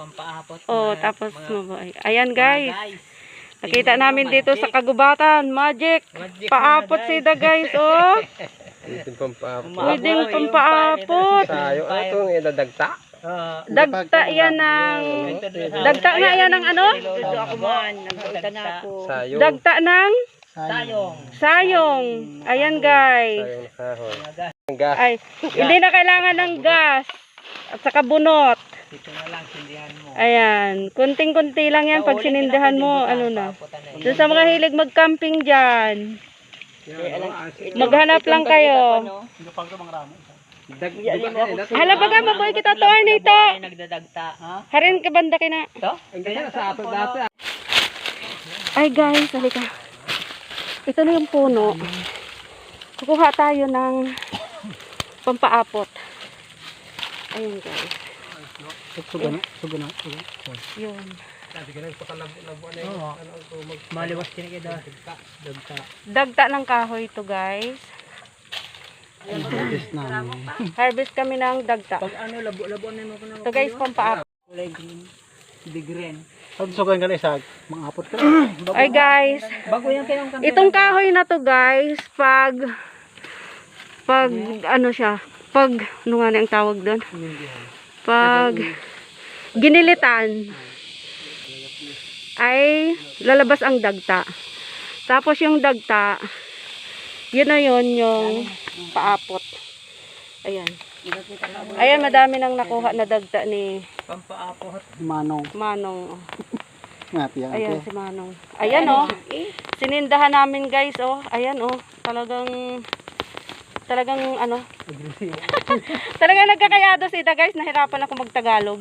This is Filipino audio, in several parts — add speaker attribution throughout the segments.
Speaker 1: pampaapot.
Speaker 2: Oh, tapos mabuhay. Ayan guys. Nakita namin dito sa kagubatan, magic. Paapot sida guys, oh.
Speaker 3: Pwedeng pampaapot.
Speaker 2: Pwedeng pampaapot.
Speaker 3: Sayo, ano itong idadagta?
Speaker 2: Dagta yan ng... Dagta nga yan ng ano?
Speaker 1: Ako man, nagdagta na ako.
Speaker 3: Sayo.
Speaker 2: Dagta ng...
Speaker 1: Sayong.
Speaker 2: Sayong. Ayan guys.
Speaker 3: Sayong na kahoy. Ang gas.
Speaker 2: Ay, hindi na kailangan ng gas. At saka bunot.
Speaker 1: Dito na lang, sindihan mo.
Speaker 2: Ayan. Kunting-kunti lang yan pag sinindahan mo. Ano na. Doon sa mga hilig mag-camping dyan. Maghanap lang kayo. Hala baga, mabuhay kita to, Arnito.
Speaker 1: Nagdadagta.
Speaker 2: Harin ka banda kina.
Speaker 1: Ito?
Speaker 3: Ang ganyan sa ato dati.
Speaker 2: Ay guys, halika. Ito na yung puno. Kukuha tayo ng pampaapot. Ayun guys.
Speaker 3: Sugana.
Speaker 2: Yun.
Speaker 1: Maliwas din kayo dagta.
Speaker 2: Dagta ng kahoy to guys. Harvest kami ng dagta.
Speaker 1: Pag ano, labo-labo na mo ko na.
Speaker 2: Ito guys, pampaapot.
Speaker 1: Kulay green. Big green.
Speaker 3: Sugan ka na isa. Mga-apot ka.
Speaker 2: Ay guys,
Speaker 1: Bago yan kayong kanto.
Speaker 2: itong kahoy na to guys, pag ano siya, pag ano nga na ang tawag doon? Pag ginilitan ay lalabas ang dagta. Tapos yung dagta, yun na yun yung paapot. Ayan. Ayan, madami nang nakuha na dagta ni
Speaker 1: Pampaapot.
Speaker 2: Manong.
Speaker 3: Ngati yan.
Speaker 2: Ayan si Manong. Ayan oh. Sinindahan namin guys oh. Ayan oh. Talagang ano. Talagang nagkakayado sila guys. Nahirapan ako magtagalog.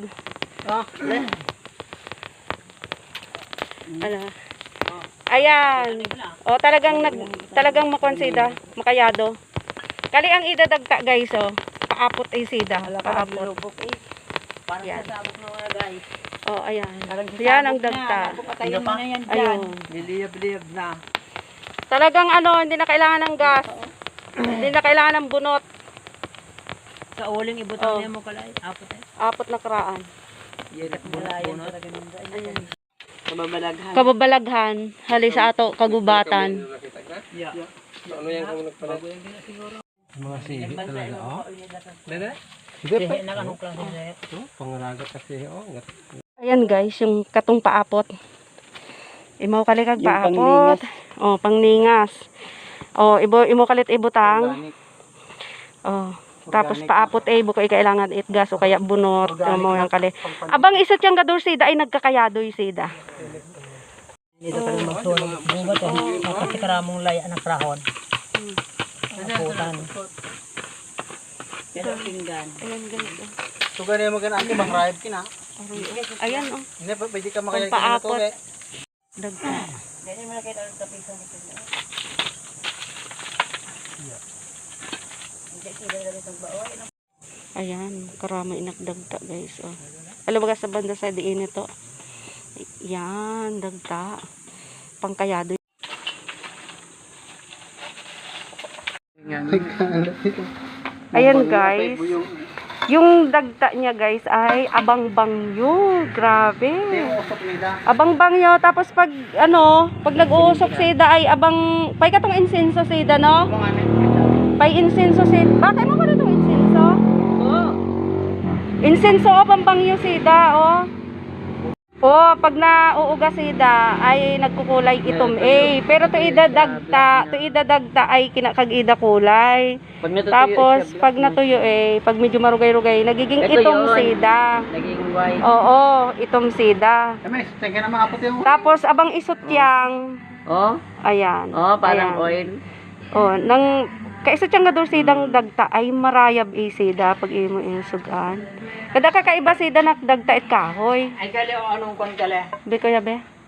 Speaker 2: Ano. Ayan. Oh, talagang makonsida, makayado. Kali ang idadagta guys oh. Paapot ay sida. Paapot.
Speaker 1: Parang sasabog na mga guys.
Speaker 2: Oh, ayan. Yan ang dagta.
Speaker 1: Patayin mo na yan dyan.
Speaker 2: Ayun.
Speaker 1: Liliyab-liyab na.
Speaker 2: Talagang ano, hindi na kailangan ng gas. Hindi na kailangan ng bunot.
Speaker 1: Sa uling ibutang niya mo kalay. Apot eh.
Speaker 2: Apot na karaan.
Speaker 1: Yan at bunot.
Speaker 2: Ayan.
Speaker 1: Kababalaghan.
Speaker 2: Kababalaghan. Hali sa ato, kagubatan.
Speaker 1: Yeah.
Speaker 3: Ano yan kung nagpala? Mga sihi talaga. Oh. Dede?
Speaker 1: Hindi pa. Nakanong klase na yan.
Speaker 3: Pangaragat kasi. Oh.
Speaker 2: Ayan guys, yung katong paapot. Imaw kalikag paapot. Oh, pangningas. Oh, imo kalit ibutang. Oh. Tapos paapot ay buko kailangan itgas o kaya bunot mo yang kali. Abang isa tiyang gadur sida ay nagkakayadoy sida.
Speaker 1: Dito ka lang magsulong. Bunga to. Kasi karamong laya ng krahon. Aputan. Pero pinggan.
Speaker 2: Ayan guys.
Speaker 3: Sugan na yung magandang anti bang ride kina.
Speaker 2: Ayan oh.
Speaker 3: Hindi pa pwede ka makayag
Speaker 2: Paapot.
Speaker 3: na to eh.
Speaker 2: Dagta.
Speaker 1: Ganyan mo na kayo ng kapiso nito.
Speaker 2: Ayan, karama inakdagta guys oh. Alam ba sa banda sa diin ito? Yan, dagta. Pangkayado. Ayan guys. Yung dagta niya guys ay abang bangyo. Grabe. Abang bangyo. Tapos pag pag nag-uusok sida ay abang pay katong insenso sida no? Pay insenso sida. Bakit mo ko na itong insenso? Insenso o pampangyo sida o. O pag nauuga sida ay nagkukulay itom pero to idadagta ay kinakag-ida kulay. Tapos pag natuyo pag medyo marugay-rugay nagiging itom sida.
Speaker 1: Naging white.
Speaker 2: Oo, itom sida. Tapos abang isot yang.
Speaker 1: Oh?
Speaker 2: Ayan.
Speaker 1: Oh, parang
Speaker 2: ayan.
Speaker 1: oil.
Speaker 2: Oh, nang kaisa tiyang gadur sidang dagta ay marayab sida pag imo insugan. Kada kakaiba sida nak dagta it kahoy.
Speaker 1: Ay gali o anong kon gali?
Speaker 2: Be kuya be.